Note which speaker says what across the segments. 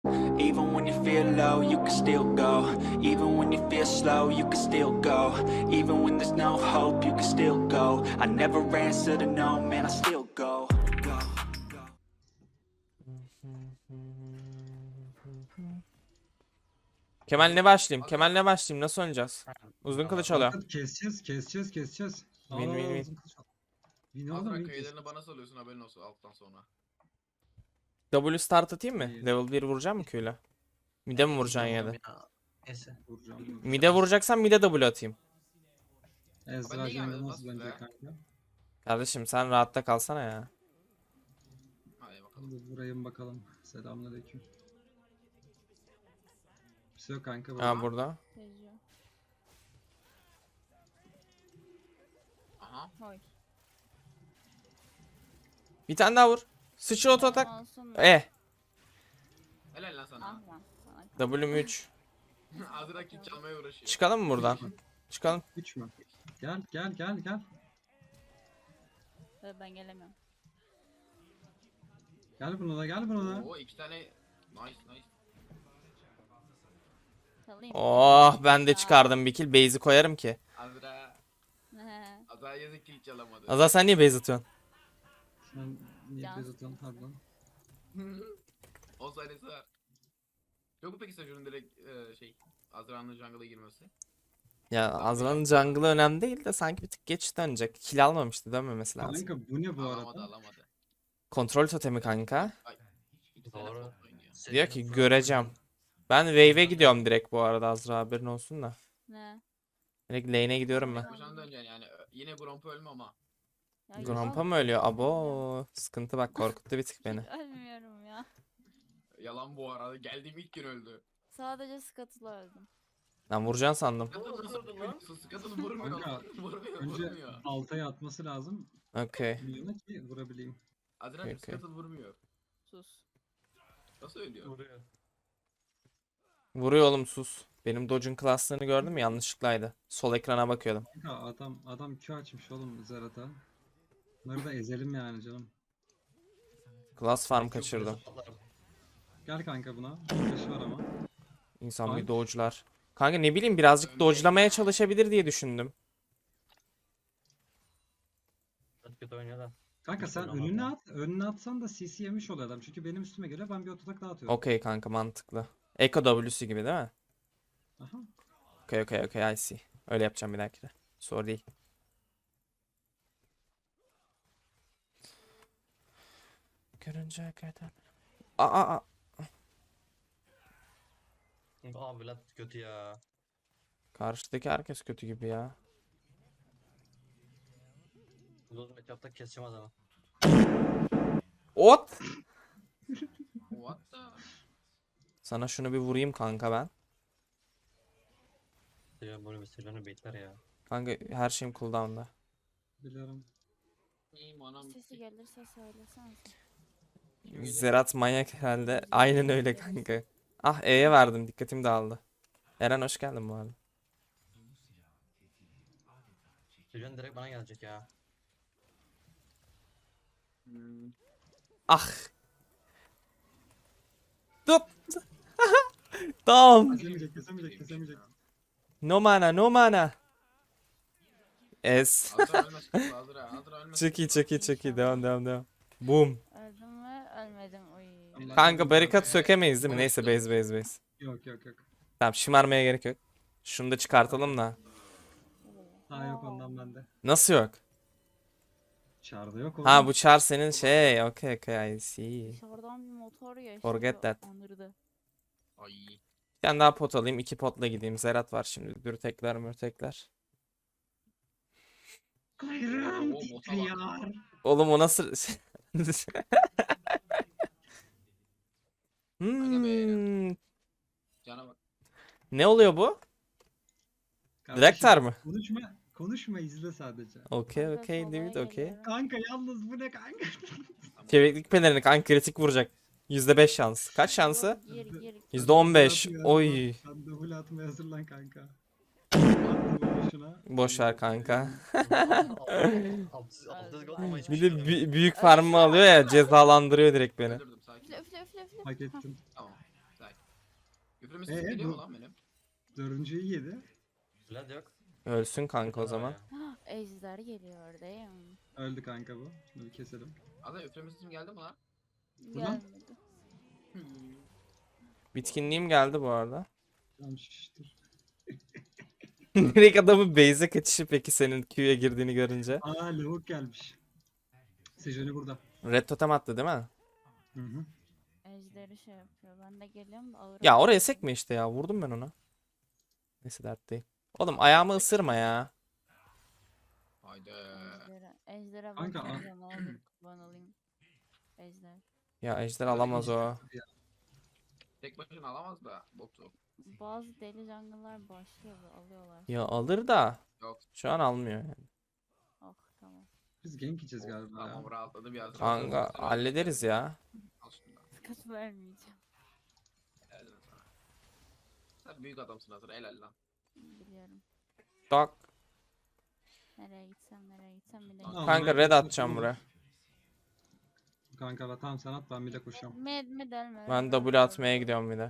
Speaker 1: Even when you feel low, you can still go. Even when you feel slow, you can still go. Even when there's no hope, you can still go. I never answer to no, man, I still go. Go, go.
Speaker 2: Kemal ne başlayayım? Kemal ne başlayayım? Nasıl oynayacağız? Uzun kılıç alıyor.
Speaker 3: Kanka keseceğiz.
Speaker 2: Win, win, win.
Speaker 3: Uzun kılıç al. Win oğlum,
Speaker 4: Azra
Speaker 3: win
Speaker 4: kayılarını
Speaker 3: keseceğiz.
Speaker 4: bana salıyorsun haberin olsun alttan sonra.
Speaker 2: W start atayım mı?
Speaker 3: İyi.
Speaker 2: Level 1 vuracağım mı Q'yla? Mid'e mi vuracaksın ya da?
Speaker 5: Neyse.
Speaker 3: Vuracağım.
Speaker 2: Mid'e vuracaksan mid'e W atayım.
Speaker 3: Ezra
Speaker 4: niye gelmedim
Speaker 3: Cengiz
Speaker 4: lan
Speaker 3: bence
Speaker 4: size?
Speaker 3: kanka.
Speaker 2: Kardeşim sen rahatta kalsana ya.
Speaker 4: Hadi bakalım.
Speaker 3: Dur vurayım bakalım. Selamünaleyküm. Bir şey yok kanka.
Speaker 2: Ha burada.
Speaker 6: Geziyor.
Speaker 4: Aha.
Speaker 6: Hoy.
Speaker 2: Bir tane daha vur. Sıçra oto atak.
Speaker 6: Olsun mu?
Speaker 4: Helal lan
Speaker 6: Ah
Speaker 4: sana.
Speaker 6: lan. Sana
Speaker 2: W'm 3.
Speaker 4: Azra kill çalmaya uğraşıyor.
Speaker 2: Çıkalım mı buradan? Çıkalım.
Speaker 3: 3 mü? Gel.
Speaker 6: ben gelemiyorum.
Speaker 3: Gel buna da.
Speaker 4: Oo 2 tane. Nice.
Speaker 6: Salayım.
Speaker 2: Oh ben de çıkardım bir kill. Base'i koyarım ki.
Speaker 4: Azra.
Speaker 6: He.
Speaker 4: Azra yazık kill çalamadı.
Speaker 2: Azar sen niye base atıyorsun?
Speaker 3: Sen niye
Speaker 6: Can.
Speaker 3: bezatın pardon.
Speaker 4: 10 saniyesi var. Yok mu peki Sajur'un direkt Azra'nın jungle'a girmesi?
Speaker 2: Ya Azra'nın jungle'ı önemli değil de sanki bir tık geç dönecek. Kill almamıştı, dönmemesi lazım.
Speaker 3: Kanka bu ne bu arada?
Speaker 4: Alamadı.
Speaker 2: Kontrol totemi kanka.
Speaker 4: Ay. 2 tane
Speaker 5: Doğru.
Speaker 4: bot oynuyor.
Speaker 2: Diyor ki göreceğim. Ben wave'e gidiyorum direkt bu arada Azra, haberin olsun da.
Speaker 6: Ne?
Speaker 2: Direkt lane'e gidiyorum ben.
Speaker 4: Koşan döneceksin yani. Yine Gromp ölme ama.
Speaker 6: Ya
Speaker 2: Grandpa
Speaker 6: yok.
Speaker 2: mı ölüyor? Abo sıkıntı bak, korkuttu bir tık beni.
Speaker 6: Ölmüyorum ya.
Speaker 4: Yalan bu arada. Geldiğim ilk gün öldü.
Speaker 6: Sadece Scuttle'la öldüm.
Speaker 2: Ben vuracaksın sandım.
Speaker 4: Skatını nasıl lan? Skatını vurmuyor.
Speaker 3: Kanka,
Speaker 4: Vurmuyor.
Speaker 3: Önce
Speaker 4: Vurmuyor.
Speaker 3: altaya atması lazım.
Speaker 2: Okey.
Speaker 3: Milyona ki vurabileyim.
Speaker 4: Azra'cığım
Speaker 2: Okey.
Speaker 4: Skatını vurmuyor.
Speaker 6: Sus.
Speaker 4: Nasıl ölüyor?
Speaker 5: Vuruyor.
Speaker 2: Vuruyor oğlum, sus. Benim dodge'un class'larını gördün mü? Yanlışlıklaydı. Sol ekrana bakıyordum.
Speaker 3: Kanka adam Q açmış oğlum Zerat'a. Bunları da ezelim yani canım.
Speaker 2: Class farm kaçırdım.
Speaker 3: Gel kanka buna. Flash var ama.
Speaker 2: İnsan bir
Speaker 3: Ay.
Speaker 2: dodge'lar. Kanka ne bileyim, birazcık dodge'lamaya çalışabilir diye düşündüm.
Speaker 5: Çok kötü oynuyor da.
Speaker 3: Kanka sen
Speaker 5: Oynamadı.
Speaker 3: önüne at. Önüne atsan da CC yemiş oluyor adam. Çünkü benim üstüme göre ben bir ototak daha atıyorum.
Speaker 2: Okey kanka, mantıklı. Echo W'su gibi değil mi?
Speaker 3: Aha.
Speaker 2: Okey, I see. Öyle yapacağım bir dahakine. Sorun değil. Görünce kadar. Aa.
Speaker 5: Aa Vlad kötü ya.
Speaker 2: Karşıdaki herkes kötü gibi ya.
Speaker 5: Uzun matchup'ta keseceğim adamı.
Speaker 2: Ot!
Speaker 4: What the?
Speaker 2: Sana şunu bir vurayım kanka ben.
Speaker 5: Seviyorum böyle meselerini bekler ya.
Speaker 2: Kanka her şeyim cooldown'da.
Speaker 3: Biliyorum.
Speaker 4: İyiyim anam.
Speaker 6: Sesi gelirse söylesene.
Speaker 2: Zerat manyak herhalde. Aynen öyle kanka. Ah, E'ye verdim, dikkatim dağıldı. Eren hoş geldin bu arada.
Speaker 5: Seviyorum direkt bana gelecek ya.
Speaker 2: Ah. Tut. Tamam.
Speaker 3: Kesemeyecek.
Speaker 2: No mana. Es.
Speaker 4: Azra ölmez. Azra ölmez.
Speaker 2: Çok iyi. Devam. Boom.
Speaker 6: Öldüm mü? Ölmedim. Uy.
Speaker 2: Kanka barikat sökemeyiz değil mi? Neyse base.
Speaker 3: Yok.
Speaker 2: Tamam, şımarmaya gerek yok. Şunu da çıkartalım da.
Speaker 3: Ha yok ondan bende.
Speaker 2: Nasıl yok?
Speaker 3: Çağrıda yok oğlum.
Speaker 2: Ha bu çar senin şey. Okay, I see.
Speaker 6: Dışarıdan bir motor geçti.
Speaker 2: Forget that.
Speaker 6: Anırdı.
Speaker 4: Ay.
Speaker 2: Bir tane daha pot alayım. 2 potla gideyim. Zerat var şimdi. Dürtekler mürtekler.
Speaker 3: Kayrım
Speaker 4: Oo,
Speaker 3: titriyor.
Speaker 2: Oğlum o nasıl...
Speaker 4: Cana bak.
Speaker 2: Ne oluyor bu?
Speaker 3: Kardeşim,
Speaker 2: Direktör mü?
Speaker 3: Konuşma izle sadece.
Speaker 2: Okey,
Speaker 6: Ben de
Speaker 2: David,
Speaker 6: solaya
Speaker 2: okey.
Speaker 6: geliyorum.
Speaker 3: Kanka yalnız bu ne kanka?
Speaker 2: Çeviklik pelerini kanka, kritik vuracak. %5 şans. Kaç şansı?
Speaker 6: Gir.
Speaker 2: %15. Oy.
Speaker 3: Sen double atmaya hazırlan kanka. Attım şuna.
Speaker 2: Boş ver kanka.
Speaker 5: Altı gol ama hiçbir
Speaker 2: Bir
Speaker 5: şey
Speaker 2: de
Speaker 5: yok.
Speaker 2: büyük farmı alıyor ya, cezalandırıyor direkt beni.
Speaker 4: Öldürdüm sakin.
Speaker 6: Üfle.
Speaker 3: Hak ettin.
Speaker 4: Tamam. Öpümüzsüz geliyor mu lan benim?
Speaker 3: Dördüncüyü yedi.
Speaker 5: Vlad yok.
Speaker 2: Ölsün kanka o
Speaker 5: Vlad var
Speaker 2: zaman.
Speaker 5: ya.
Speaker 6: Ejder geliyor değil mi?
Speaker 3: Öldü kanka bu. Şunu bir keselim.
Speaker 4: Azra öpümüzsüzüm geldi mi lan?
Speaker 3: Ulan.
Speaker 6: Gelmedi.
Speaker 2: Bitkinliğim geldi bu arada.
Speaker 3: Tamam şiştir.
Speaker 2: Direkt adamın base'e kaçışı peki senin Q'ya girdiğini görünce.
Speaker 3: Aa lavuk gelmiş. Sejoni burada.
Speaker 2: Red totem attı değil mi?
Speaker 3: Hı hı.
Speaker 6: Ejderi şey yapıyor. Ben de geliyorum da ağır.
Speaker 2: Ya oraya sekme işte ya. Vurdum ben ona. Neyse dert değil. Oğlum ayağımı ısırma ya.
Speaker 4: Haydi.
Speaker 6: Ejder'e
Speaker 3: Kanka,
Speaker 6: bakacağım abi. Kurban olayım. Ejder.
Speaker 2: Ya ejder alamaz o.
Speaker 4: Tek başına alamaz da botu.
Speaker 6: Bazı deli jungle'lar başlıyor ve alıyorlar.
Speaker 2: Ya alır da.
Speaker 4: Yok.
Speaker 2: Şu an almıyor yani.
Speaker 6: Oh tamam.
Speaker 3: Biz gank yiyeceğiz galiba
Speaker 4: Tamam
Speaker 3: ya.
Speaker 4: rahatladı bir Azra.
Speaker 2: Kanka hallederiz ya.
Speaker 4: Al şunu da.
Speaker 6: Sıkıntı vermeyeceğim.
Speaker 4: Helal lan sana. Sen büyük adamsın Azra helal lan.
Speaker 6: Biliyorum.
Speaker 2: Tak.
Speaker 6: Nereye gitsem bir de
Speaker 3: Tamam,
Speaker 2: Kanka
Speaker 3: ben-
Speaker 2: red atacağım buraya.
Speaker 3: Kanka tamam sen at ben bir de koşacağım.
Speaker 6: Med delme.
Speaker 2: Ben W atmaya gidiyorum bir de.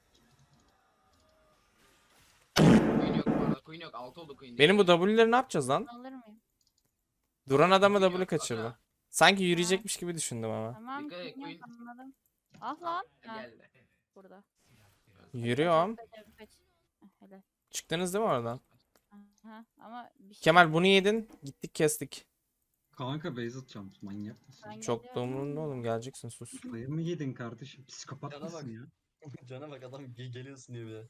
Speaker 4: Queen yok bu arada. Queen yok. 6 oldu Queen.
Speaker 2: Benim bu W'leri ne yapacağız lan?
Speaker 6: Alır mıyım?
Speaker 2: Duran adamı
Speaker 4: Queen
Speaker 2: W
Speaker 4: yok,
Speaker 2: kaçırdı.
Speaker 4: Azra.
Speaker 2: Sanki yürüyecekmiş gibi düşündüm ama.
Speaker 6: Tamam.
Speaker 4: Dikkat et,
Speaker 6: Queen yok,
Speaker 4: Queen.
Speaker 6: anladım. Ah lan. Ha,
Speaker 4: Geldi.
Speaker 6: burada.
Speaker 2: Yürüyorum.
Speaker 6: Kaç. Helal.
Speaker 2: Çıktınız değil mi oradan?
Speaker 6: Aha, ama bir şey.
Speaker 2: Kemal bunu yedin. Gittik kestik.
Speaker 3: Kanka base atacağım. Manyak mısın?
Speaker 6: Ben
Speaker 2: Çok da
Speaker 6: geliyorum.
Speaker 2: umurumda oğlum geleceksin sus.
Speaker 3: Kafayı mı yedin kardeşim? Psikopat
Speaker 5: Cana
Speaker 3: mısın
Speaker 5: bak.
Speaker 3: ya?
Speaker 5: Cana bak adam geliyorsun diyor bir de.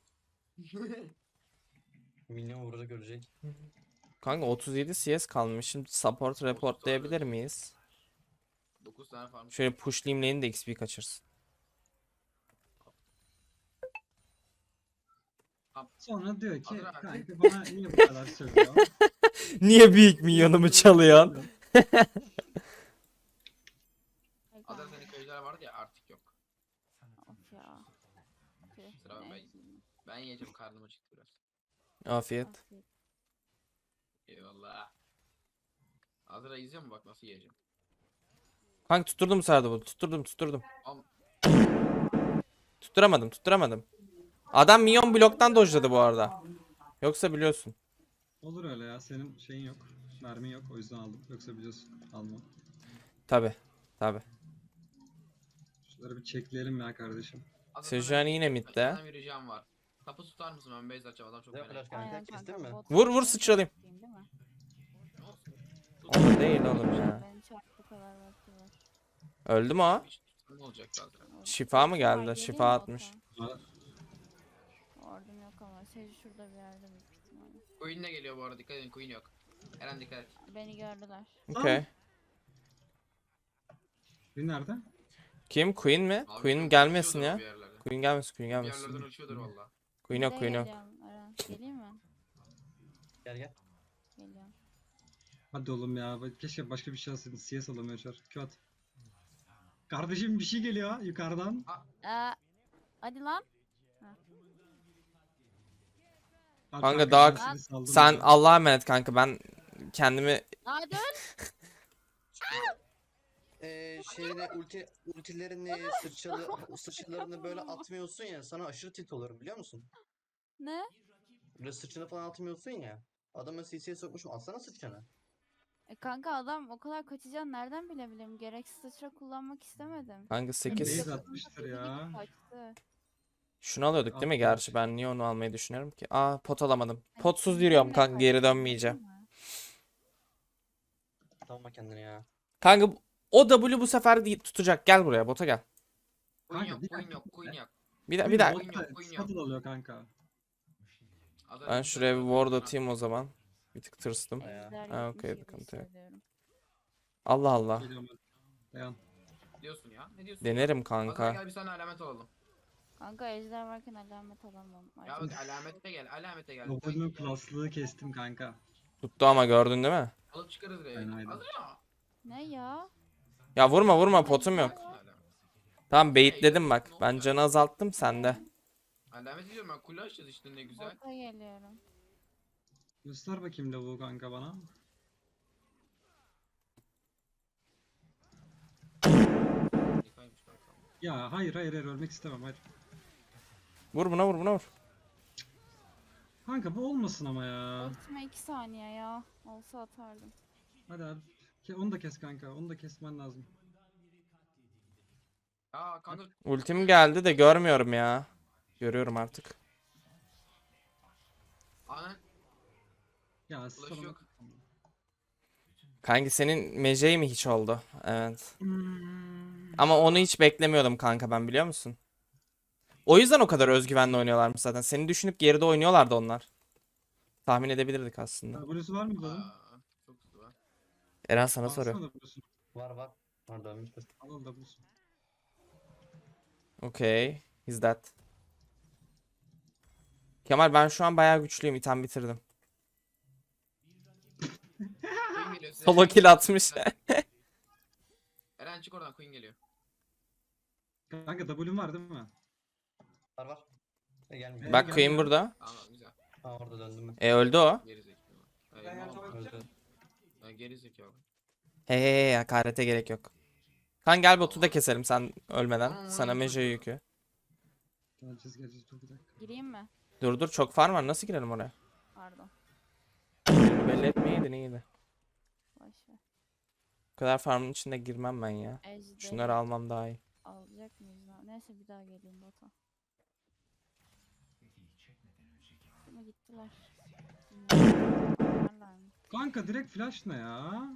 Speaker 5: Minyon vuracak görecek.
Speaker 2: Kanka 37 CS kalmış. Şimdi support reportlayabilir miyiz?
Speaker 4: 9 tane farm.
Speaker 2: Şöyle pushlayayım lane'i de XP kaçırsın.
Speaker 3: Sonra diyor ki
Speaker 4: Azra.
Speaker 3: kanka bana niye bu kadar söylüyor?
Speaker 2: Niye büyük milyonumu çalıyorsun?
Speaker 6: Ay,
Speaker 4: Azra
Speaker 6: kanka.
Speaker 4: senin köyler vardı ya artık yok.
Speaker 6: Of ya. Tüh,
Speaker 4: Sıra ben.
Speaker 6: neyse.
Speaker 4: Ben yiyeceğim karnım acıktı biraz.
Speaker 2: Afiyet.
Speaker 6: Afiyet.
Speaker 4: Eyvallah. Azra izliyor mu bak nasıl yiyeceğim.
Speaker 2: Kanka tutturdum sardı bu. Tutturdum.
Speaker 4: Am
Speaker 2: Tutturamadım. Adam minyon bloktan dojladı bu arada. Yoksa biliyorsun.
Speaker 3: Olur öyle ya senin şeyin yok. Mermin yok o yüzden aldım. Yoksa biliyorsun almam.
Speaker 2: Tabi.
Speaker 3: Şunları bir çekleyelim ya kardeşim.
Speaker 4: Azra
Speaker 2: Sejuani yine midde.
Speaker 4: Senden bir ricam var. Tapu tutar mısın ben base açacağım adam çok
Speaker 5: Ne
Speaker 4: merak.
Speaker 5: flash kanka
Speaker 6: Aynen
Speaker 5: kestin
Speaker 6: kanka.
Speaker 5: mi?
Speaker 6: bot
Speaker 2: Vur,
Speaker 6: yapayım,
Speaker 2: sıçralayım.
Speaker 6: değil mi?
Speaker 2: O da değil oğlum ya.
Speaker 6: Benim çarpı kadar vakti var.
Speaker 2: Öldü mü o?
Speaker 4: Ne olacak Azra?
Speaker 2: Şifa mı
Speaker 6: Ay,
Speaker 2: geldi?
Speaker 6: geleyim
Speaker 2: Şifa
Speaker 6: mi
Speaker 2: atmış.
Speaker 6: ota? Ordum yok ama. Sej şurada bir yerde büyük ihtimalle.
Speaker 4: Queen de geliyor bu arada dikkat edin Queen yok. Eren dikkat et.
Speaker 6: Beni gördüler.
Speaker 2: Okey.
Speaker 3: Bir nerede?
Speaker 2: Kim? Queen mi?
Speaker 4: Abi
Speaker 2: Queen
Speaker 4: çok
Speaker 2: gelmesin
Speaker 4: uçuyordur o
Speaker 2: ya.
Speaker 4: bir yerlere.
Speaker 2: Queen gelmesin.
Speaker 4: Bir yerlerden uçuyordur valla.
Speaker 2: Queen
Speaker 6: Bir
Speaker 2: yok.
Speaker 6: de
Speaker 2: Queen yok.
Speaker 6: geliyorum, Eren. Geleyim mi?
Speaker 5: Gel.
Speaker 6: Geliyorum.
Speaker 3: Hadi oğlum ya. Keşke başka bir şey alsaydın. CS alamıyor çar. Q at. Kardeşim bir şey geliyor yukarıdan.
Speaker 6: Hadi lan.
Speaker 3: Al
Speaker 2: Kanka
Speaker 3: ben
Speaker 2: daha-
Speaker 3: seni saldım
Speaker 2: Sen
Speaker 3: ya.
Speaker 2: Allah'a emanet kanka, ben kendimi
Speaker 6: Hadi öl.
Speaker 5: Şeyini ultilerini sıçralarını böyle atmıyorsun ya sana aşırı tilt olurum biliyor musun?
Speaker 6: Ne?
Speaker 5: Böyle sıçrını falan atmıyorsun ya. Adamı CC'ye sokmuşum atsana sıçranı.
Speaker 6: Kanka adam o kadar kaçacağını nereden bilebilirim? Gereksiz sıçra kullanmak istemedim.
Speaker 2: kanka 8
Speaker 3: Base atmıştır ya.
Speaker 6: Kaçtı.
Speaker 2: şunu alıyorduk değil mi?
Speaker 3: Atmış.
Speaker 2: Gerçi ben niye onu almayı düşünüyorum ki? Aa, pot alamadım.
Speaker 6: Ay,
Speaker 2: Potsuz
Speaker 6: kim
Speaker 2: yürüyorum
Speaker 6: kimle
Speaker 2: kanka, geri
Speaker 6: kaçtı,
Speaker 2: dönmeyeceğim.
Speaker 6: değil mi?
Speaker 5: Tamam kendini ya.
Speaker 2: Kanka o W bu sefer tutacak. Gel buraya, bota gel.
Speaker 4: Queen
Speaker 3: Kanka,
Speaker 4: yok
Speaker 3: bir
Speaker 4: Queen
Speaker 3: dakika.
Speaker 4: yok Queen yok.
Speaker 2: Bir dakika.
Speaker 4: Queen yok, Queen yok.
Speaker 3: Scuttle alıyor kanka.
Speaker 4: Azra
Speaker 2: Ben
Speaker 4: bir
Speaker 2: şuraya bir
Speaker 4: şey
Speaker 2: ward
Speaker 4: yok.
Speaker 2: atayım o zaman. Bir tık tırstım.
Speaker 5: Ya.
Speaker 6: Ejder
Speaker 2: Ha, okey,
Speaker 6: 77
Speaker 2: sıkıntı yok.
Speaker 6: hissediyorum.
Speaker 2: Allah Allah.
Speaker 3: Geliyorum ben. Dayan.
Speaker 4: Diyorsun ya. Ne diyorsun?
Speaker 2: Denerim
Speaker 4: Azra
Speaker 2: kanka.
Speaker 4: gel bir sana alamet alalım.
Speaker 6: Kanka ejder varken alamet alamam. Ay,
Speaker 4: Ya bak alamete gel alamete gel.
Speaker 3: Lobo'nun klaslığı kestim kanka.
Speaker 2: Tuttu ama, gördün değil mi?
Speaker 4: Alıp çıkarız
Speaker 3: Aynen,
Speaker 4: reyi.
Speaker 3: aynen.
Speaker 4: Azra.
Speaker 6: Ne ya?
Speaker 2: Ya vurma, potum yok. Tamam, baitledim bak. Ben canı azalttım, sende.
Speaker 4: Alamet diyorum ben kule açacağız işte ne güzel.
Speaker 6: Bota geliyorum.
Speaker 3: Göster bakayım lavuğu kanka bana.
Speaker 4: Harikaymış kanka.
Speaker 3: Ya hayır ölmek istemem hayır.
Speaker 2: Vur buna, vur buna, vur.
Speaker 3: Kanka bu olmasın ama ya.
Speaker 6: Ultime 2 saniye ya. Olsa atardım.
Speaker 3: Hadi abi. Onu da kes kanka. Onu da kesmen lazım.
Speaker 4: Aa kanka
Speaker 2: Ultim geldi de görmüyorum ya. Görüyorum artık.
Speaker 4: ana
Speaker 3: Ya
Speaker 4: ulaş
Speaker 3: sana
Speaker 4: yok.
Speaker 2: Kanki senin Mejey mi hiç oldu? Evet.
Speaker 3: Hmm.
Speaker 2: Ama onu hiç beklemiyordum kanka ben, biliyor musun? O yüzden o kadar özgüvenli oynuyorlarmış zaten. Seni düşünüp geride oynuyorlardı onlar. Tahmin edebilirdik aslında.
Speaker 3: W'su var mıydı onun?
Speaker 4: Çok hızlı var.
Speaker 2: Eren sana soruyor.
Speaker 3: Alsana W'sunu.
Speaker 5: Var var. Var dönmüştür.
Speaker 3: Al W'sunu.
Speaker 2: Okay. Is that? Kemal ben şu an bayağı güçlüyüm. İtem bitirdim.
Speaker 4: Queen geliyor size.
Speaker 2: Solo kill atmış.
Speaker 4: Eren çık oradan, Queen geliyor.
Speaker 3: Kanka W'un var değil mi?
Speaker 5: Var var. Gelmiyor.
Speaker 2: Bak
Speaker 3: Gel,
Speaker 2: Queen
Speaker 3: gel.
Speaker 2: burada.
Speaker 4: Tamam güzel.
Speaker 5: Ha orada döndüm ben.
Speaker 2: Öldü o.
Speaker 4: Geri zekalı. Hayır,
Speaker 5: Öldü.
Speaker 4: geri zekalı.
Speaker 2: Hey hey hey, hakarete gerek yok. Kan gel botu da keselim sen ölmeden. Sana Mejey yükü.
Speaker 3: Geleceğiz dur bir dakika.
Speaker 6: Gireyim mi?
Speaker 2: Dur dur, çok farm var. Nasıl girelim oraya?
Speaker 6: Pardon.
Speaker 2: Belli etmeyeydin, iyiydi.
Speaker 6: Boş ver.
Speaker 2: Bu kadar farmın içinde girmem ben ya.
Speaker 6: Ejderi
Speaker 2: Şunları almam daha iyi.
Speaker 6: alacak mıyız lan? Neyse bir daha geleyim bota. Ama gittiler. Bunlarlar mı?
Speaker 3: Kanka direkt flash ne ya?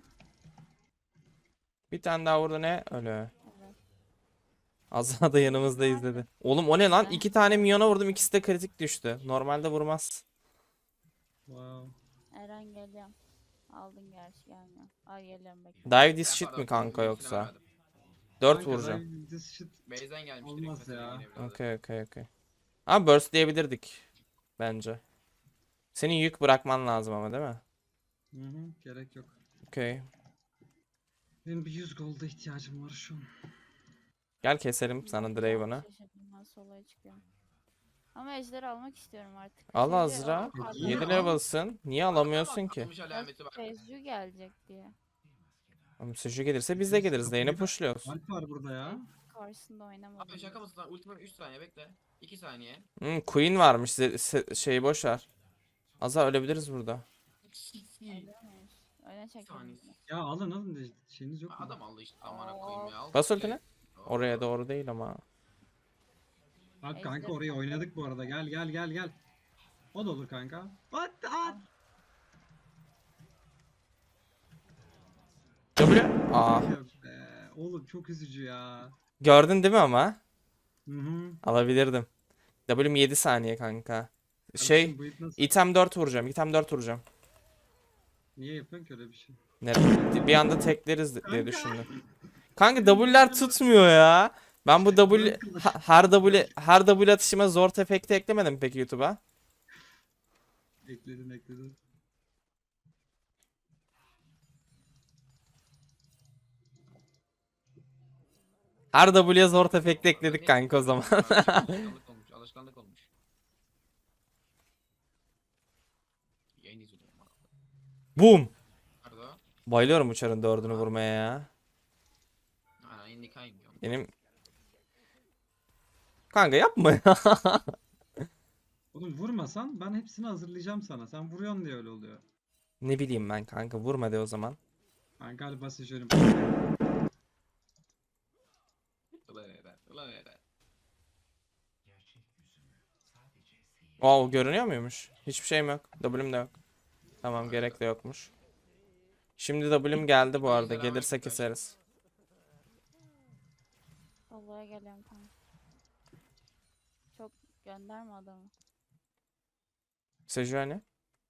Speaker 2: Bir tane daha vurdu, ne? Ölü.
Speaker 6: Evet.
Speaker 2: Azra da yanımızda izledi. Oğlum o ne lan? 2 tane minyona vurdum, ikisi de kritik düştü. Normalde vurmaz.
Speaker 3: Wow.
Speaker 6: Eren geliyorum. Aldın gerçi gelmiyor. Ay geliyorum bekle.
Speaker 2: Dive this
Speaker 4: Ben
Speaker 2: shit
Speaker 4: pardon,
Speaker 2: mi kanka
Speaker 4: Queen'in
Speaker 2: yoksa?
Speaker 4: ultisini vermedim.
Speaker 2: 4
Speaker 3: Kanka,
Speaker 2: vuracağım.
Speaker 3: ben this shit
Speaker 4: Base'den gelmiş
Speaker 3: Olmaz
Speaker 4: direkt.
Speaker 3: ya.
Speaker 4: Yine evladı.
Speaker 2: Okey okey okey. Ama burst diyebilirdik. Bence. Senin yük bırakman lazım ama, değil mi?
Speaker 3: Hı hı, gerek yok.
Speaker 2: Okey.
Speaker 3: Benim bir 100 gold'a ihtiyacım var şu an.
Speaker 2: Gel keselim sana Draven'ı.
Speaker 6: Şaşırdım ben soloya çıkıyorum. Ama ejderi almak istiyorum artık.
Speaker 2: Al
Speaker 6: Seju-
Speaker 2: Azra.
Speaker 6: Aa,
Speaker 2: 7
Speaker 3: al.
Speaker 2: level'sın. Niye alamıyorsun ki?
Speaker 4: Atmış alameti bak.
Speaker 6: Seju gelecek diye.
Speaker 2: Oğlum Seju gelirse biz de geliriz. Lane'i pushluyoruz.
Speaker 3: Alp var burada ya.
Speaker 6: Karşısında oynamadım.
Speaker 4: Abi şaka mısın lan? Ultimate 3 saniye bekle. 2 saniye.
Speaker 2: Queen varmış. Şeyi boş ver. Azra ölebiliriz burada.
Speaker 6: Öyle miyiz? Öyle çekelim.
Speaker 4: Saniyesi.
Speaker 3: Ya alın de şeyiniz yok mu?
Speaker 4: Adam aldı işte amına koyayım ya. Al.
Speaker 2: Bas ultini. Oraya doğru değil ama.
Speaker 3: Bak kanka orayı oynadık bu arada. Gel. O da olur kanka. At.
Speaker 2: W. Aa.
Speaker 3: Yok be. Oğlum çok üzücü ya.
Speaker 2: Gördün değil mi ama?
Speaker 3: Hı hı.
Speaker 2: Alabilirdim. W'm 7 saniye kanka. Şey.
Speaker 3: Kardeşim, bu ip nasıl?
Speaker 2: Item 4 vuracağım. Item 4 vuracağım.
Speaker 3: Niye yapıyorsun ki öyle bir şey?
Speaker 2: Bir anda tekleriz diye düşündüm. Kanka W'ler tutmuyor ya. Ben bu her W atışıma zor efekti eklemedim peki YouTube'a?
Speaker 3: Ekledim.
Speaker 2: Her W'ye zor efekti ekledik kanka o zaman.
Speaker 4: Alışkanlık olmuş. Yayın izliyorum.
Speaker 2: Boom.
Speaker 4: Nerede o?
Speaker 2: Bayılıyorum uçarın 4'ünü vurmaya ya.
Speaker 4: Ha, indi kaymıyor.
Speaker 2: Benim... Kanka yapma ya.
Speaker 3: Oğlum vurmasan ben hepsini hazırlayacağım sana. Sen vuruyorsun diye öyle oluyor.
Speaker 2: Ne bileyim ben kanka, vurma de o zaman.
Speaker 3: Ben galiba seçiyorum.
Speaker 4: Ulan eder.
Speaker 2: Wow, görünüyor muymuş? Hiçbir şeyim yok. W'm de yok. Tamam, gerek de yokmuş. Şimdi W'm geldi bu arada. Gelirse keseriz.
Speaker 6: Soloya geliyorum kanka. Çok gönderme adamı.
Speaker 2: Seju hani?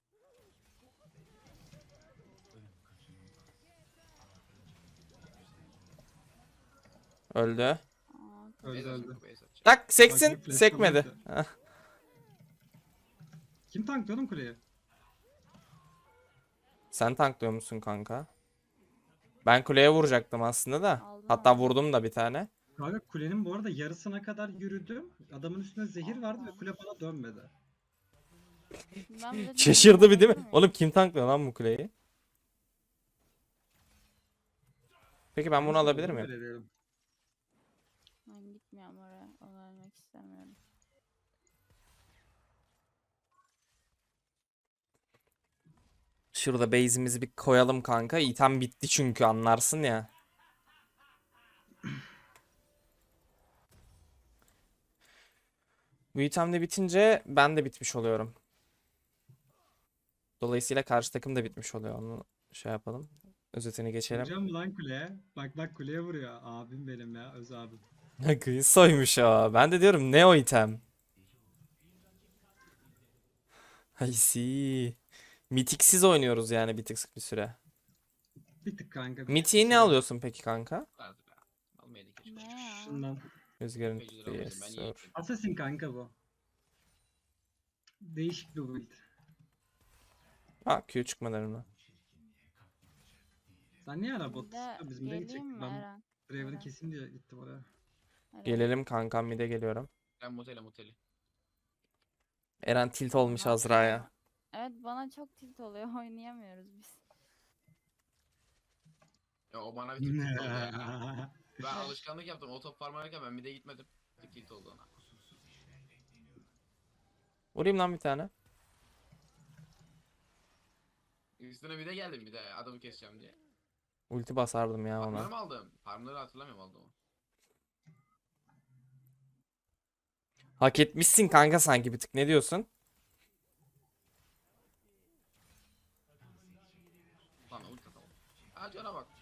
Speaker 2: Öldü.
Speaker 6: Aa,
Speaker 3: Öldü.
Speaker 2: Tak seksin.
Speaker 3: Bakayım, flash
Speaker 2: Sekmedi.
Speaker 3: falan
Speaker 2: Heh.
Speaker 3: Kim tanktı oğlum kuleyi?
Speaker 2: Sen tanklıyor musun kanka? Ben kuleye vuracaktım aslında da.
Speaker 6: Aldın
Speaker 2: Hatta
Speaker 6: aldın.
Speaker 2: vurdum da bir tane.
Speaker 3: Kanka kulenin bu arada yarısına kadar yürüdüm. Adamın üstüne zehir vardı ve kule bana dönmedi.
Speaker 6: Ben bir de
Speaker 2: Şaşırdı bir değil mi?
Speaker 6: dedim,
Speaker 2: Oğlum kim tanklıyor lan bu kuleyi? Peki ben bunu
Speaker 3: Nasıl
Speaker 2: alabilir
Speaker 3: olduğunu
Speaker 2: miyim?
Speaker 3: belirleyelim.
Speaker 6: Ben gitmiyorum oraya. Onu ölmek istemiyorum.
Speaker 2: Şurada base'imizi bir koyalım kanka. İtem bitti çünkü anlarsın ya. Bu item de bitince ben de bitmiş oluyorum. Dolayısıyla karşı takım da bitmiş oluyor. Onu şey yapalım. Özetini geçelim.
Speaker 3: Vuracağım mı lan kuleye? Bak bak kuleye vuruyor. Abim benim ya. Öz abim.
Speaker 2: Soymuş o. Ben de diyorum ne o item? I see. Mitiksiz oynuyoruz yani bir tık bir süre.
Speaker 3: Bir tık kanka.
Speaker 2: Mitiği ne alıyorsun peki kanka?
Speaker 4: Azra. Almayaydı keşke.
Speaker 6: Ne ya?
Speaker 3: Şundan.
Speaker 2: Rüzgarın
Speaker 4: Tepeciler almayaydı, ben
Speaker 2: yes,
Speaker 4: iyi
Speaker 2: sir.
Speaker 4: gittim.
Speaker 3: Assassin kanka bu. Değişik bir build.
Speaker 2: Ha Q çıkmalarına.
Speaker 3: Sen niye ara
Speaker 6: Bir
Speaker 3: bot?
Speaker 6: de
Speaker 3: Biz mid'e
Speaker 6: geleyim
Speaker 3: gidecektik.
Speaker 6: mi
Speaker 3: Ben
Speaker 6: Eren?
Speaker 3: Draven'ı
Speaker 6: Eren.
Speaker 3: keseyim diye gittim oraya.
Speaker 6: Eren.
Speaker 2: Gelelim kankam mid'e geliyorum.
Speaker 4: Ben moteli.
Speaker 2: Eren tilt olmuş Azra'ya.
Speaker 6: Evet bana çok tilt oluyor. Oynayamıyoruz biz.
Speaker 4: Ya o bana bir tık tilt oldu ya. Ben alışkanlık yaptım. O top farmarken ben bir de gitmedim. Bir tık tilt oldu ona.
Speaker 2: Vurayım lan bir tane.
Speaker 4: Üstüne bir de geldim bir de adamı keseceğim diye.
Speaker 2: Ulti basardım ya
Speaker 4: Farmları
Speaker 2: ona.
Speaker 4: mı aldım? Farmları hatırlamıyorum aldığımı.
Speaker 2: Hak etmişsin kanka sanki bir tık. Ne diyorsun?
Speaker 4: Lan ulti atalım. Ha cana bak.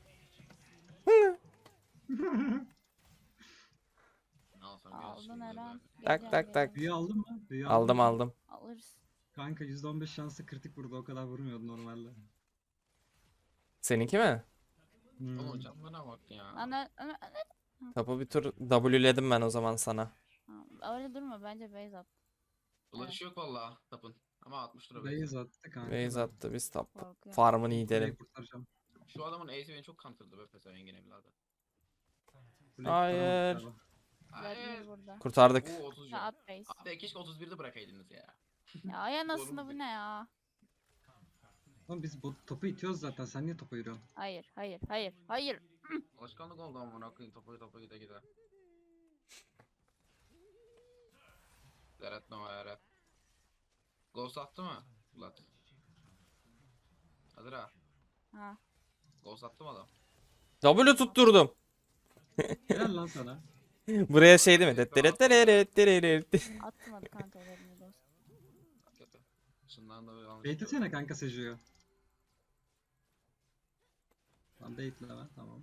Speaker 4: Ne alsam biraz
Speaker 6: Aldın
Speaker 4: şimdi
Speaker 6: Eren.
Speaker 4: böyle.
Speaker 2: Tak,
Speaker 6: Geleceğim,
Speaker 2: tak, tak.
Speaker 6: geleceğim.
Speaker 3: Büyü aldın mı? Büyü
Speaker 2: Aldım
Speaker 3: mı?
Speaker 2: aldım.
Speaker 6: Alırız.
Speaker 3: Kanka %15 şanslı kritik vurdu. O kadar vurmuyordu normalde.
Speaker 2: Seninki mi?
Speaker 3: Hmm.
Speaker 4: Oğlum canına bak ya.
Speaker 6: Ana.
Speaker 2: Tapu bir tur W'ledim ben o zaman sana.
Speaker 6: Ha, öyle durma bence base at.
Speaker 4: Ulaşı yok valla tapın. Ama 60 lira
Speaker 3: Base attı kanka.
Speaker 2: Base
Speaker 3: ben
Speaker 2: attı biz top.
Speaker 6: Korkuyorum.
Speaker 2: Farmını
Speaker 3: kuleyi
Speaker 2: yiyelim.
Speaker 3: kurtaracağım.
Speaker 4: Şu adamın ace'i beni çok kantırdı be pezevenk evladı.
Speaker 3: Kuleyi
Speaker 2: Hayır.
Speaker 3: kurtaramadık galiba.
Speaker 6: Vladimir
Speaker 4: Hayır.
Speaker 6: burada.
Speaker 2: Kurtardık.
Speaker 4: Oo 30
Speaker 6: Ha,
Speaker 4: can.
Speaker 6: at base.
Speaker 4: Abi keşke 31'de bırakaydınız ya.
Speaker 6: Ya ay anasını
Speaker 4: Doğru
Speaker 6: bu
Speaker 4: mu?
Speaker 6: ne ya?
Speaker 3: Oğlum biz topu itiyoruz zaten. Sen niye topa yürüyorsun?
Speaker 6: Hayır.
Speaker 4: Alışkanlık oldu amına koyayım topa gide gide. Zeret Nova Eret. Ghost attı mı? Vlad. Hadi ha.
Speaker 6: Ha.
Speaker 4: Ghost attı mı adam?
Speaker 2: W tutturdum.
Speaker 3: Helal lan sana.
Speaker 2: Buraya şey değil mi?
Speaker 6: Atmadı kanka Vladimir dost.
Speaker 4: Kötü. Şundan da bir almış.
Speaker 3: Beklesene kanka Seju'yu. Lan bekleme tamam.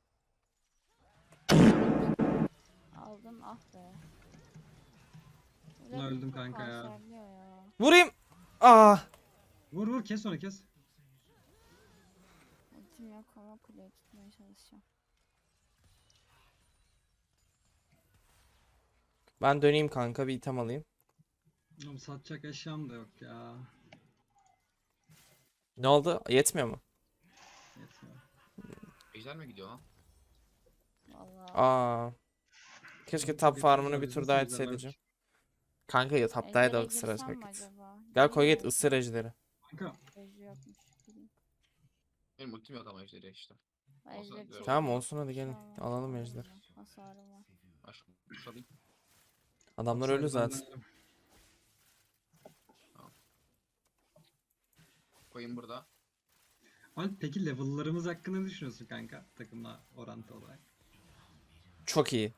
Speaker 6: Aldın ah be.
Speaker 3: Buna
Speaker 6: Vladimir
Speaker 3: öldüm
Speaker 6: çok
Speaker 3: kanka ya.
Speaker 6: kanserliyor ya.
Speaker 2: Vurayım. Ah.
Speaker 3: Vur vur kes onu kes.
Speaker 6: Ultim yok ama kuleyi tutmaya çalışacağım.
Speaker 2: Ben döneyim kanka bir item alayım.
Speaker 3: Oğlum satacak eşyam da yok ya.
Speaker 2: Ne oldu? Yetmiyor mu?
Speaker 3: Yetmiyor.
Speaker 4: Ejder mi gidiyor lan?
Speaker 6: Vallahi.
Speaker 2: Aa. Keşke top
Speaker 3: Bir
Speaker 2: farmını
Speaker 3: tur
Speaker 2: bir
Speaker 3: daha
Speaker 2: tur
Speaker 3: bizim
Speaker 2: daha
Speaker 3: sizler
Speaker 2: etseydim. Kanka ya taptaydı
Speaker 6: Ejder'e
Speaker 2: ısıracak
Speaker 6: girsem mi
Speaker 2: git.
Speaker 6: acaba?
Speaker 2: Gel koy
Speaker 6: Gireyim
Speaker 2: git
Speaker 6: mi?
Speaker 2: ısır ejderi.
Speaker 3: Kanka
Speaker 6: Ejder yokmuş. Gireyim.
Speaker 4: Benim ultim yok ama Ejder'e işte.
Speaker 6: Ben
Speaker 4: Olsa
Speaker 6: Ejder'i
Speaker 4: güzel
Speaker 6: çok
Speaker 2: Tamam
Speaker 6: seviyorum.
Speaker 2: olsun hadi gelin.
Speaker 6: Tamam,
Speaker 2: Alalım
Speaker 6: tamam,
Speaker 2: ejder.
Speaker 6: hasarım var.
Speaker 4: Ben şu alayım.
Speaker 2: Adamlar
Speaker 3: upside
Speaker 2: ölü zaten.
Speaker 3: benden-
Speaker 4: Koyayım burada.
Speaker 3: Alp peki level'larımız hakkında ne düşünüyorsun kanka? Takımla orantı olarak.
Speaker 2: Çok iyi.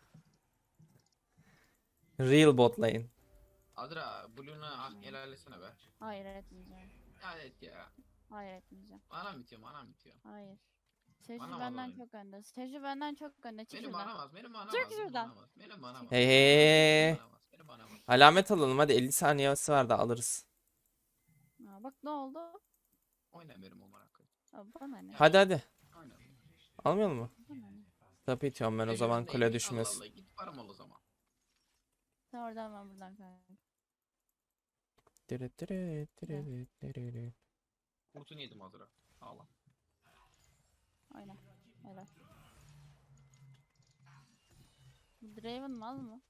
Speaker 2: Real bot lane.
Speaker 4: Adra Blue'na hak helalesene be.
Speaker 6: Hayır etmeyeceğim.
Speaker 4: Ya evet ya.
Speaker 6: Hayır etmeyeceğim.
Speaker 4: Manam bitiyor.
Speaker 6: Hayır. Seju
Speaker 4: Bana
Speaker 6: benden
Speaker 4: bana
Speaker 6: çok önde. Seju benden çok önde. Çık
Speaker 4: Benim
Speaker 6: şuradan.
Speaker 4: manamaz.
Speaker 6: Çık şuradan.
Speaker 4: Benim manamaz.
Speaker 2: Hey hey.
Speaker 4: Benim manamaz.
Speaker 2: Alamet alalım hadi 50 saniyesi var da alırız.
Speaker 6: Aa, bak ne oldu?
Speaker 4: Oyna benim o merakı.
Speaker 6: Aa, bana ne?
Speaker 2: Hadi.
Speaker 4: Oyna.
Speaker 2: Almayalım mı?
Speaker 6: Bana ne?
Speaker 2: Tapu itiyorum ben o zaman
Speaker 4: Ejder'in
Speaker 2: kule
Speaker 4: neymiş?
Speaker 2: düşmesin.
Speaker 4: Allah Allah, git param ol o zaman.
Speaker 6: Sen oradan ben buradan kanka.
Speaker 4: Kurtunu yedim Adra. Ağla.
Speaker 6: Oyna. Helal. Bu Draven mal mı?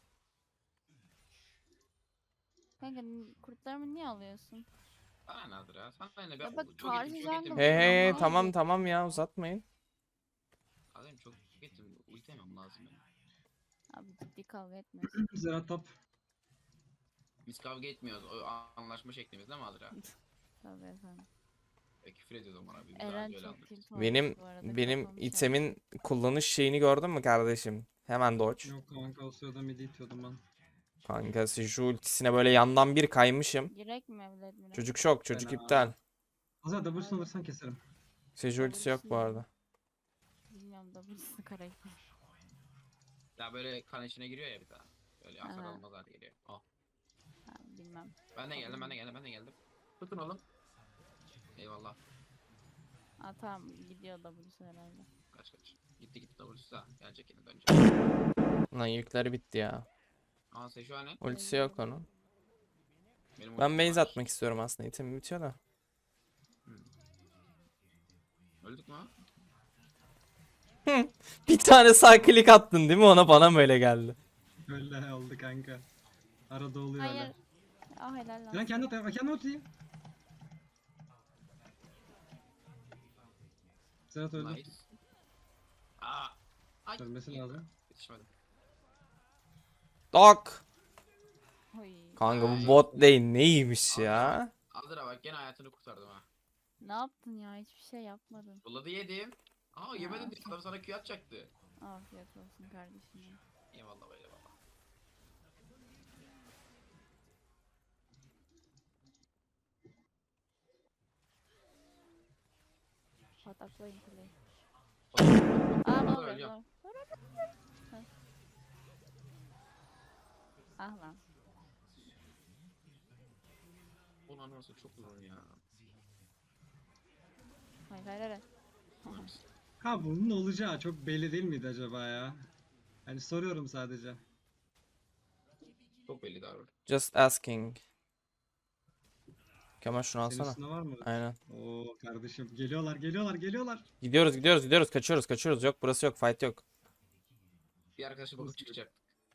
Speaker 6: Kanka kurtlarımı niye alıyorsun?
Speaker 4: Bana ne Adra? Sana ne be?
Speaker 6: Ya bak,
Speaker 4: Çok
Speaker 6: karşı
Speaker 4: ettim,
Speaker 6: jungle
Speaker 2: Hey hey
Speaker 6: Tamam.
Speaker 2: tamam tamam ya uzatmayın.
Speaker 4: Adem çok ettim. Ultemem lazım benim.
Speaker 6: Abi ciddi kavga etmiyorsun.
Speaker 3: Zera top.
Speaker 4: Biz kavga etmiyoruz. O anlaşma şeklimiz değil mi Adra?
Speaker 6: Tabii efendim.
Speaker 4: Küfür ediyoruz ama abi. Biz daha
Speaker 6: Eren
Speaker 4: önce öyle
Speaker 6: çok
Speaker 4: anladık.
Speaker 6: tilt olmuş
Speaker 2: Benim
Speaker 6: bu arada,
Speaker 2: benim
Speaker 6: kafamı
Speaker 2: itemin kullanış şeyini gördün mü kardeşim? Hemen dodge.
Speaker 3: Yok kanka o sırada midi itiyordum ben.
Speaker 2: Kanka şu ultisine böyle yandan bir kaymışım.
Speaker 6: Girek mi Vladimir?
Speaker 2: Çocuk şok, çocuk
Speaker 3: Fena.
Speaker 2: iptal.
Speaker 3: Azra W'sunu alırsan keserim.
Speaker 2: Seju ultisi yok bu arada.
Speaker 6: Bilmiyorum da burası karakter.
Speaker 4: Ya böyle kan içine giriyor ya bir daha. Böyle hasar
Speaker 6: Aha.
Speaker 4: almaz hale geliyor. Oh.
Speaker 6: Ha, bilmem.
Speaker 4: Ben de geldim, ben de geldim, ben de geldim. Tutun oğlum. Eyvallah.
Speaker 6: Aa tamam, gidiyor da burası herhalde.
Speaker 4: Kaç kaç. Gitti gitti doğrusu da. Gelecek yine dönecek.
Speaker 2: Lan yükleri bitti ya.
Speaker 4: Aa sen şu an ne?
Speaker 2: Ultisi yok onun.
Speaker 4: Benim
Speaker 2: Ben
Speaker 4: ultim
Speaker 2: base
Speaker 4: var.
Speaker 2: atmak istiyorum aslında. İtem bitiyor da.
Speaker 4: Öldük mü?
Speaker 2: Bir tane sağ klik attın değil mi? Ona bana mı öyle geldi?
Speaker 3: Öyle oldu kanka. Arada oluyor
Speaker 6: Hayır.
Speaker 3: öyle.
Speaker 6: Ah helal lan.
Speaker 3: Lan kendi at, kendi atayım. Serhat öldü.
Speaker 4: Nice. Aa. Ay.
Speaker 3: Ölmesi lazım.
Speaker 4: Yetişmedim.
Speaker 2: Dok.
Speaker 6: Oy.
Speaker 2: Kanka bu bot lane neymiş ya?
Speaker 4: Azra bak gene hayatını kurtardım ha.
Speaker 6: Ne yaptın ya? Hiçbir şey yapmadın.
Speaker 4: Bulladı yedim. Aa yemedin diye adam sana Q atacaktı.
Speaker 6: Afiyet olsun kardeşim. Ya.
Speaker 4: Eyvallah böyle baba.
Speaker 6: Pataklayın kuleyi.
Speaker 4: Aa
Speaker 6: Aa ne
Speaker 4: Azra
Speaker 6: oluyor?
Speaker 4: ölüyorum.
Speaker 6: Dur. Ah lan.
Speaker 4: Ulan nasıl çok uzun ya.
Speaker 6: Hayır hayır hayır.
Speaker 3: Ha bunun olacağı çok belli değil miydi acaba ya? Hani soruyorum sadece.
Speaker 4: Çok belli davran.
Speaker 2: Just asking. Kemal şunu
Speaker 3: Senin
Speaker 2: alsana.
Speaker 3: üstünde var mı?
Speaker 2: Aynen.
Speaker 3: Oo kardeşim geliyorlar geliyorlar geliyorlar.
Speaker 2: Gidiyoruz gidiyoruz gidiyoruz. Kaçıyoruz kaçıyoruz. Yok burası yok. Fight yok.
Speaker 4: Bir arkadaşı bakıp çıkacak.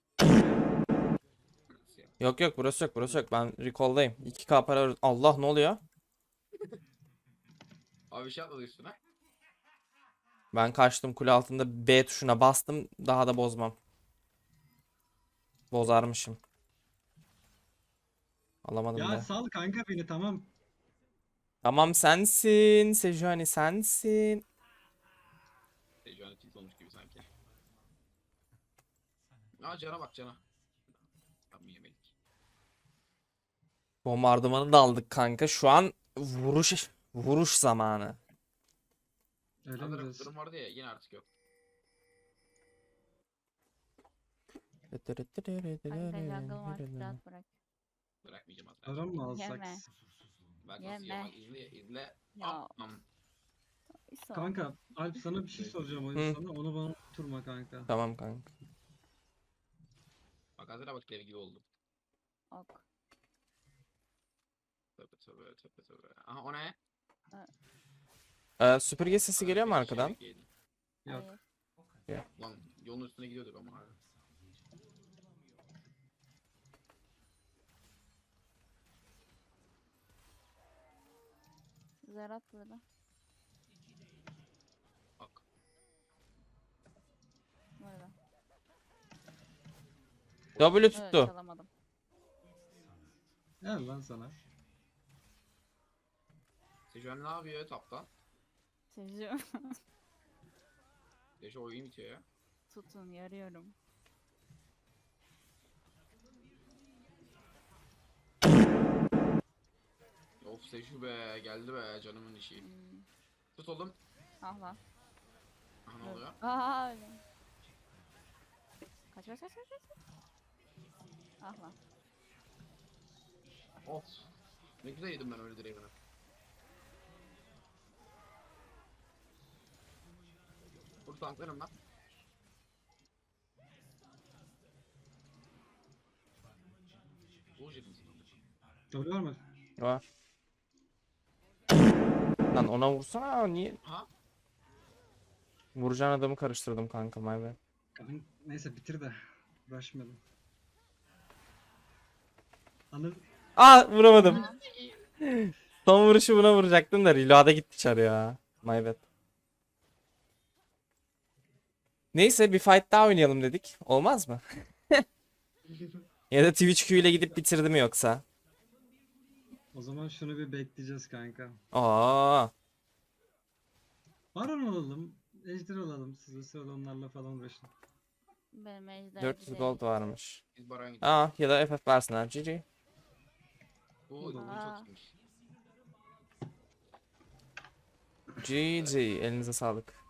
Speaker 2: Yok yok burası yok burası yok. Ben recall'dayım. 2K para Allah ne oluyor?
Speaker 4: Abi bir şey atladı üstüne.
Speaker 2: Ben kaçtım kule altında B tuşuna bastım. Daha da bozmam. Bozarmışım. Alamadım
Speaker 3: Ya
Speaker 2: da.
Speaker 3: sal kanka beni tamam.
Speaker 2: Tamam sensin. Sejuani sensin.
Speaker 4: Şu an tilt olmuş gibi sanki. Aa cana bak cana. Tam yemedik.
Speaker 2: Bombardımanı da aldık kanka. Şu an vuruş zamanı.
Speaker 3: Öyle mi
Speaker 4: Hazır
Speaker 3: diyorsun?
Speaker 4: durum vardı ya yine artık yok.
Speaker 6: Kanka jungle var. Rahat bırak.
Speaker 4: Bırakmayacağım Azra.
Speaker 3: Aram mı alsak?
Speaker 6: Yeme.
Speaker 4: Bak nasıl
Speaker 6: Yeme.
Speaker 4: yiyor bak izle izle.
Speaker 6: Ya.
Speaker 4: Am.
Speaker 6: İso.
Speaker 3: Kanka Alp sana bir şey soracağım oyun
Speaker 2: Hı.
Speaker 3: sana onu bana tutturma kanka.
Speaker 2: Tamam kanka.
Speaker 4: Bak Azra bak dev gibi oldu.
Speaker 6: Ok.
Speaker 4: Tövbe tövbe tövbe tövbe. Aha o ne?
Speaker 2: Süpürge sesi geliyor mu arkadan?
Speaker 3: Yok.
Speaker 6: Hayır.
Speaker 4: Lan yolun üstüne gidiyorduk ama abi.
Speaker 6: Zerat burada.
Speaker 4: Bak.
Speaker 6: Burada.
Speaker 2: W
Speaker 6: Evet,
Speaker 2: tuttu.
Speaker 6: çalamadım.
Speaker 3: Gel lan sana.
Speaker 4: Sejuani ne yapıyor tapta?
Speaker 6: Seviyorum.
Speaker 4: Deşe oyun bitiyor ya.
Speaker 6: Tutun yarıyorum.
Speaker 4: Of Seju be geldi be canımın işi.
Speaker 6: Hmm.
Speaker 4: Tut oğlum.
Speaker 6: Ah lan.
Speaker 4: Aha ne oluyor?
Speaker 6: Aa öyle. Kaç kaç kaç kaç kaç. Ah lan.
Speaker 4: Of. Ne güzel yedim ben öyle direğimi. Dur tanklarım lan. Bullshit misin?
Speaker 3: Doğru var mı?
Speaker 2: Var. Lan ona vursana niye?
Speaker 4: Ha?
Speaker 2: Vuracağın adamı karıştırdım kanka my bad.
Speaker 3: Neyse bitir de. Uğraşmayalım. Anıl
Speaker 2: Aa vuramadım. Son vuruşu buna vuracaktım da reload'a gitti çar ya. My bad. Neyse bir fight daha oynayalım dedik. Olmaz mı? Ya da Twitch Q ile gidip bitirdi mi yoksa?
Speaker 3: O zaman şunu bir bekleyeceğiz kanka.
Speaker 2: Aa,
Speaker 3: Baron alalım. Ejder alalım. Siz o sırada onlarla falan uğraşın.
Speaker 6: Benim ejder
Speaker 2: 400
Speaker 6: değil.
Speaker 2: gold varmış.
Speaker 4: Biz Baron gidelim.
Speaker 2: Aa, ya da FF versinler. GG.
Speaker 4: Bu
Speaker 6: Aa.
Speaker 4: çok iyiymiş.
Speaker 2: GG. Elinize sağlık.